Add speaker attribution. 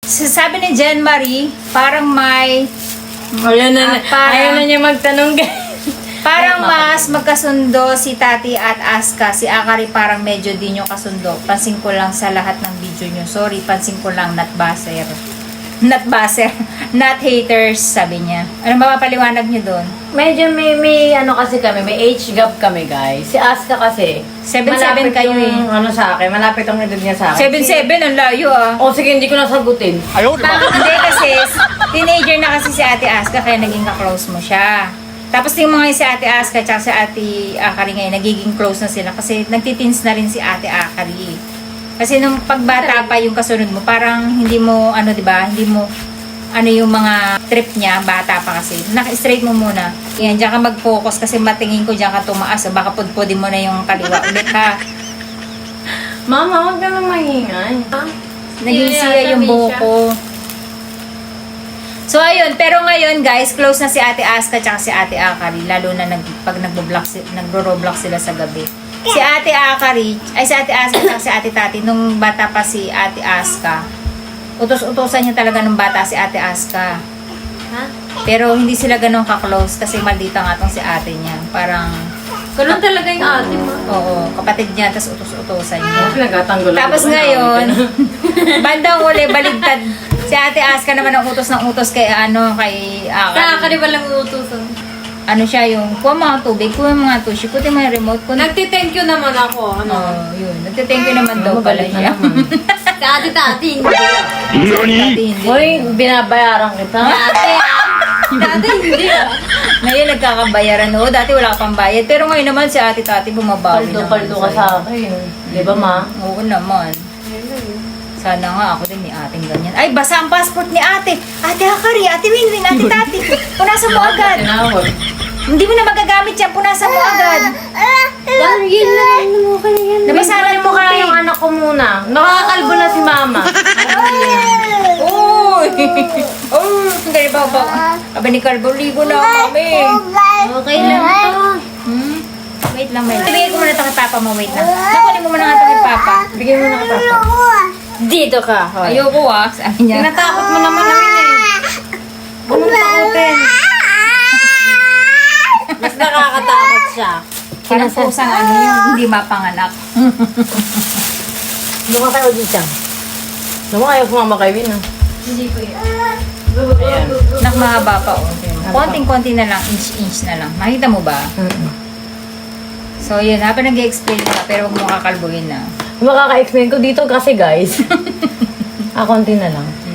Speaker 1: Sabi ni Jen Marie, parang may...
Speaker 2: Ayaw na, ayaw na niya magtanong, guys.
Speaker 1: Parang mas magkasundo si Tati at Aska. Si Akari parang medyo di nyo kasundo. Pansin ko lang sa lahat ng video nyo. Sorry, pansin ko lang, not baser. Not baser. Not haters, sabi niya. Ano ba mapaliwanag nyo doon?
Speaker 2: Medyo may ano kasi kami, may age gap kami, guys. Si Aska kasi,
Speaker 1: 7'7"
Speaker 2: malapit
Speaker 1: kayo
Speaker 2: yung, ano sa akin, malapit ang edad niya sa akin.
Speaker 1: 7'7", ang layo ah.
Speaker 2: O sige, hindi ko nasagutin.
Speaker 1: Hindi kasi, teenager na kasi si Ate Aska, kaya naging ka-close mo siya. Tapos yung mga si Ate Aska at si Ate Akari ngayon, nagiging close na sila kasi nagtitins na rin si Ate Akari. Kasi nung pagbata pa yung kasunod mo, parang hindi mo, ano diba, hindi mo, ano yung mga trip niya, bata pa kasi. Naka-straight mo muna. Yan, diyan ka mag-focus kasi matingin ko diyan ka tumaas. Baka pudpudin mo na yung kaliwa ulit ha.
Speaker 2: Mama, huwag ka na mahingay.
Speaker 1: Naging siya yung buko. So, ayun. Pero ngayon, guys, close na si Ate Aska at si Ate Akari. Lalo na pag nagro-roblox sila sa gabi. Si Ate Akari, ay si Ate Aska at si Ate Tati, nung bata pa si Ate Aska, utos-utosan niya talaga nung bata si Ate Aska.
Speaker 2: Ha?
Speaker 1: Pero hindi sila ganun ka-close kasi maldita nga tong si ate niya. Parang,
Speaker 2: Ganun talaga yung ate mo.
Speaker 1: oo, kapatid niya, tapos utos-utosan niya.
Speaker 2: Nagkatanggol ako.
Speaker 1: Tapos ngayon, bandang uli, baligtad. Si Ate Aska naman ang utos ng utos kay kay Akari.
Speaker 2: ba lang utusan?
Speaker 1: Ano siya yung, kuha mga tubig, kuha mga tushi, kuha mo yung remote.
Speaker 2: Nagti-thank you naman ako.
Speaker 1: Yun. Nagtithank you naman daw pala siya.
Speaker 2: Sa ate-tati, hindi.
Speaker 1: Dati hindi.
Speaker 2: Hoy, binabayaran kita. Dati hindi ah.
Speaker 1: Ngayon nagkakabayaran. Oo, dati wala ka pang bayad. Pero ngayon naman si Ate Tati bumabawi naman.
Speaker 2: Paldo-paldo ka sa akin. Di ba, ma?
Speaker 1: Oo naman. Sana nga ako din may ating ganyan. Ay, basa ang passport ni ate. Ate Akari, Ate Winwin, Ate Tati. Punasan mo agad.
Speaker 2: Tinawag.
Speaker 1: Hindi mo na magagamit yan. Punasan mo agad.
Speaker 2: Yun lang.
Speaker 1: Nabasa na
Speaker 2: mo kaya yung anak ko muna. Nakakalbo na si mama.
Speaker 1: Uy! Oh, hindi ba ba? Aba ni Carbo, ligo na kami.
Speaker 2: Okay lang ito.
Speaker 1: Wait lang, may. Ibigay ko muna ito kay Papa mo. Wait lang. Nakunin mo muna nga ito kay Papa.
Speaker 2: Bigyan mo na ka, papa. Dito ka. Hoy.
Speaker 1: Ayoko sabi niya.
Speaker 2: Tinatakot mo naman namin eh. Huwag mo takutin. Mas nakakatakot siya.
Speaker 1: Parang pusang yung hindi mapanganak.
Speaker 2: Lumang kayo dito. Lumang kayo kumama kay Win ah. Hindi ko yan. Ayan.
Speaker 1: Nakmahaba pa oh. Konting-konti na lang, inch-inch na lang. Makita mo ba? So yun, habang nag-explain ka, pero huwag mo kakalbuhin na.
Speaker 2: Makaka-explain ko dito kasi guys. Konti na lang.